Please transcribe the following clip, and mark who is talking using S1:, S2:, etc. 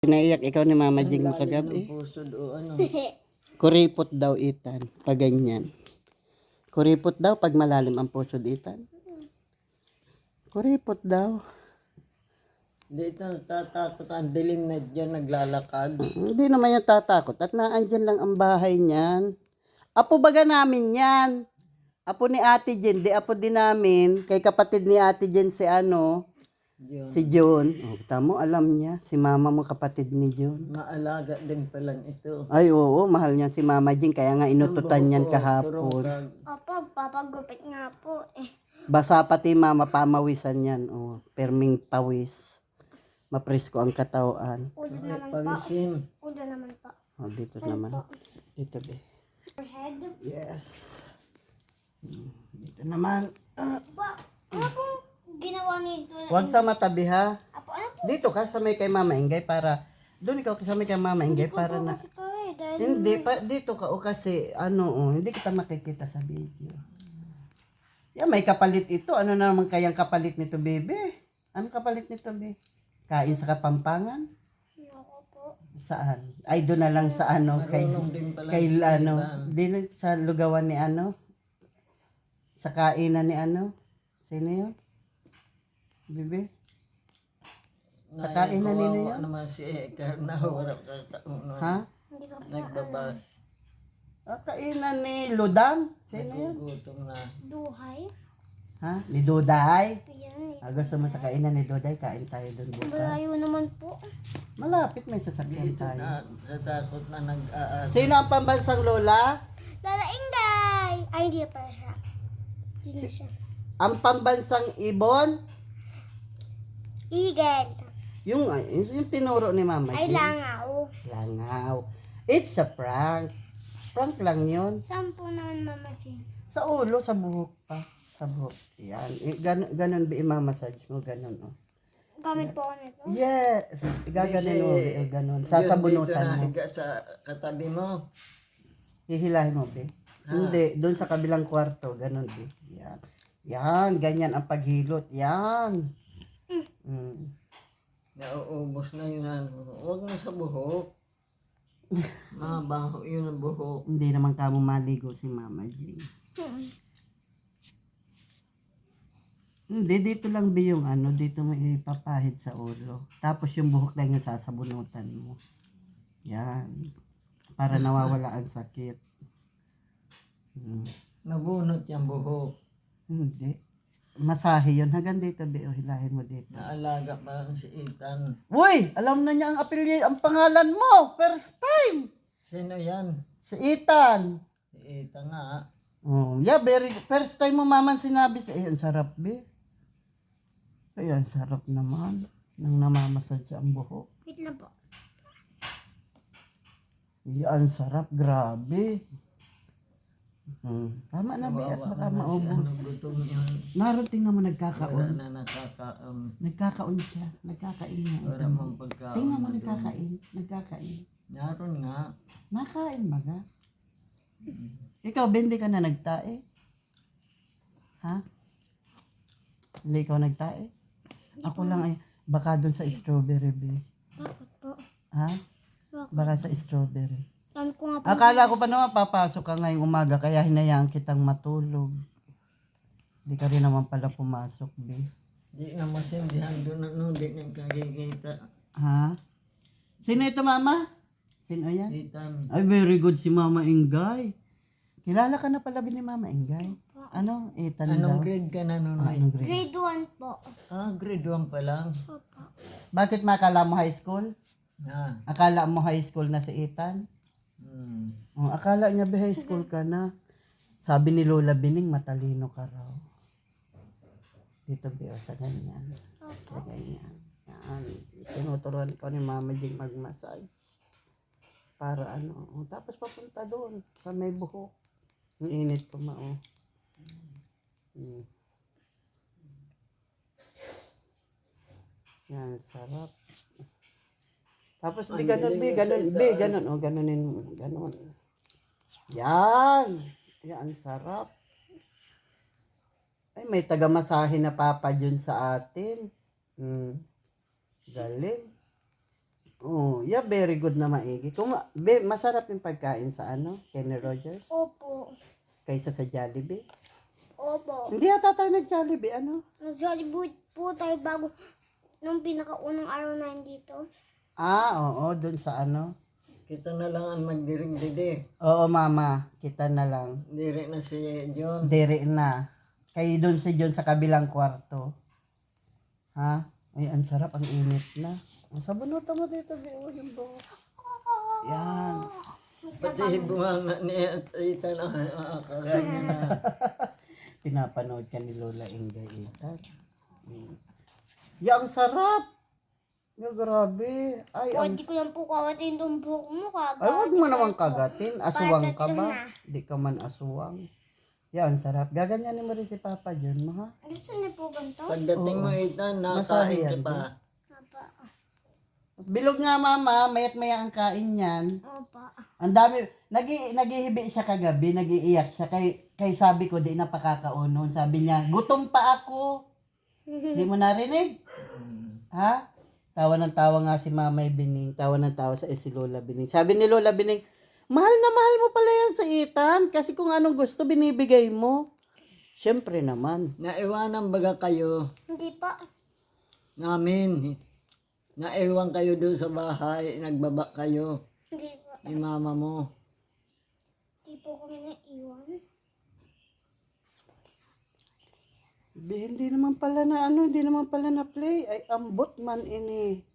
S1: Naiyak ikaw ni Mama Jing mo
S2: Ang lalim
S1: kagabi.
S2: ng puso o ano.
S1: Kuripot daw itan, pag ganyan. Kuripot daw pag malalim ang puso itan. Kuripot daw.
S2: Dito natatakot ang dilim na dyan naglalakad.
S1: Hindi naman yung tatakot at naandyan lang ang bahay niyan. Apo baga namin yan. Apo ni Ate Jen, di apo din namin. Kay kapatid ni Ate Jen si ano,
S2: Yun.
S1: si John. O, tamo, alam niya. Si mama mo kapatid ni John.
S2: Maalaga din palang ito.
S1: Ay, oo, mahal niya si Mama Jing. Kaya nga inututan niyan kahapon.
S3: Opo, papagupit nga po eh.
S1: Basa pati mama pamawisan yan. Oh, perming pawis. Mapresko ang katawan.
S3: Ulo naman po.
S2: Pawisin.
S3: Ulo naman po.
S1: Oh, dito naman. Dito be.
S3: Head.
S1: Yes. Dito naman.
S3: Po, ano pong ginawa ni Lola?
S1: Huwag sa matabi ha.
S3: Apo, ano po?
S1: Dito ka sa may kay Mama Ingay para doon ikaw sa may kay Mama Ingay para na.
S3: Kasi po eh, dahil
S1: Hindi pa dito ka o kasi ano hindi kita makikita sa video. Yeah, may kapalit ito. Ano na naman kayang kapalit nito, bebe? Ano kapalit nito, be? Kain sa Kapampangan?
S3: ako po.
S1: Saan? Ay, doon na lang sa ano, kay,
S2: Marunong din pala
S1: kay
S2: si
S1: ano,
S2: Itan.
S1: din sa lugawan ni ano, sa kainan ni ano, sino yun? Bibi? Sa kainan nino yun?
S2: Naman si Ekarna. Wala kakauno.
S1: Ha?
S3: Hindi ko po.
S2: Nagbaba.
S1: Ah, kainan ni Ludang? Sino yun?
S2: Nagugutom na.
S3: Duhay.
S1: Ha? Ni Duday?
S3: Ayan eh.
S1: Ah, gusto mo sa kainan ni Duday, kain tayo doon bukas.
S3: Malayo naman po.
S1: Malapit may sasakyan
S2: Dito
S1: tayo.
S2: na natakot na nag-aas.
S1: Sino ang pambansang lola?
S3: Lola Inday! Ay, hindi pa siya. Hindi na siya.
S1: Ang pambansang ibon?
S3: Eagle.
S1: Yung tinuro ni Mama
S3: Ay,
S1: Jean.
S3: langaw.
S1: Langaw. It's a prank. Prank lang yun.
S3: Saan po naman Mama Jean?
S1: Sa ulo, sa buhok pa. Sa buhok. Yan. Ganon ba i-massage mo? Ganon, oh.
S3: Gamit po ako nito.
S1: Yes. Gaganon mo, be. Ganon. Sasabunutan mo.
S2: Higa sa katabi mo.
S1: Hihilahin mo, be. Hindi. Doon sa kabilang kwarto. Ganon, be. Yan. Yan. Ganyan ang paghilot. Yan. Mm.
S2: Nauubos na yun. Huwag mo sa buhok. Mabaho yun ang buhok.
S1: Hindi naman kamo maligo si Mama Jean. Hindi, dito lang be yung ano, dito mo ipapahid sa ulo. Tapos yung buhok lang yung sasabunutan mo. Yan. Para nawawala ang sakit.
S2: Nabunot yung buhok.
S1: Hindi. Masahe yun. Hanggang dito be, o hilahin mo dito.
S2: Naalaga pa si Ethan.
S1: Uy! Alam na niya ang ang pangalan mo! First time!
S2: Sino yan?
S1: Si Ethan.
S2: Si Ethan nga.
S1: Oh, yeah, first time mo maman sinabi sa ang sarap be. Ay, ang sarap naman. Nang namamasadya ang buhok.
S3: Wait lang po.
S1: Ay, ang sarap. Grabe. Tama na be. At baka maubos.
S2: Gutom yun.
S1: Narating naman
S2: Wala
S1: nagkakaon.
S2: na nakakaon.
S1: Nagkakaon siya. Nagkakain niya.
S2: Wala mong pagkaon.
S1: Tingnan mo
S2: na doon.
S1: nagkakain. Nagkakain.
S2: Naroon nga.
S1: Nakain baga. Ikaw, hindi ka na nagtae? Ha? Hindi ikaw nagtae? Ako lang ay, baka doon sa strawberry be.
S3: Bakit po?
S1: Ha?
S3: Bakit?
S1: Baka sa strawberry.
S3: Kami ko nga po.
S1: Akala ko pa naman papasok ka ngayong umaga kaya hinayaan kitang matulog. Hindi ka rin naman pala pumasok be.
S2: Di na masindihan doon ano. Di nagkakikita.
S1: Ha? Sino ito mama? Sino yan?
S2: Ethan.
S1: Ay, very good si Mama Ingay. Kilala ka na pala ni Mama Ingay? Ano? Ethan daw.
S2: Anong grade ka na noon?
S1: Anong grade?
S3: Grade 1 po.
S2: Grade 1 pa lang.
S3: Opo.
S1: Bakit makala mo high school?
S2: Ha.
S1: Akala mo high school na si Ethan? Oh, akala niya ba high school ka na? Sabi ni Lola Bining, matalino ka raw. Dito ba sa ganyan? Sa ganyan. Yan. Tinuturuan ko ni Mama Jing mag-massage. Para ano. Tapos papunta doon sa may buhok. Ang init po mao. Yan, sarap. Tapos be, ganun, be, ganun, be, ganun, o, ganunin mo, ganun. Yan! Yan, sarap. Ay, may taga-masahe na papa dyan sa atin. Galing. Oh, yeah, very good na maigi. Kung masarap yung pagkain sa Kenny Rogers
S3: Opo.
S1: kaysa sa Jollibee.
S3: Opo.
S1: Hindi ata tayo nag-Jollibee,
S3: Nag-Jollibee po tayo bago nung pinakaunang araw na dito.
S1: Oo, dun sa
S2: Kita na lang ang magdiring didi.
S1: Oo, mama, kita na lang.
S2: Diri na si John.
S1: Dere na. Kayo dun si John sa kabilang kwarto. Ha? Ay, ang sarap, ang init na. Sabunutan mo dito, Bio, yung buhok. Yan.
S2: Pati bunganga ni Ethan kaganya na.
S1: Pinapanood ka ni Lola Ingay Itan. Ya, ang sarap. Ya, grabe. Ay, ang...
S3: Pwede ko lang po kawatin yung buhok mo kagad.
S1: Ay, wag mo naman kagatin. Aswang ka ba? Di ka man aswang. Yan, sarap. Gaganyanin mo rin si Papa John mo, ha?
S3: Gusto niyo po ganito?
S2: Pagdating mo Ethan,
S1: Masahe
S2: nakain ka
S1: yan,
S2: pa.
S3: Opa.
S1: Bilog nga, mama. Mayat maya ang kain yan.
S3: Opa.
S1: Ang dami. Nagihibi siya kagabi. Nagiiyak siya. Kay sabi ko, di na pakakaunon. Sabi niya, gutom pa ako. Di mo narinig? Ha? Tawa ng tawa nga si Mamay Bining. Tawa ng tawa sa si Lola Bining. Sabi ni Lola Bining, mahal na mahal mo pala yan sa Ethan. Kasi kung anong gusto, binibigay mo. Siyempre naman.
S2: Naiwanan baga kayo
S3: Hindi pa.
S2: namin. Naiwan kayo doon sa bahay. Nagbaba kayo
S3: Hindi pa.
S2: ni mama mo.
S3: Hindi po kami naiwan.
S1: Hindi naman pala na hindi naman pala na play. Ay, ambot man ini.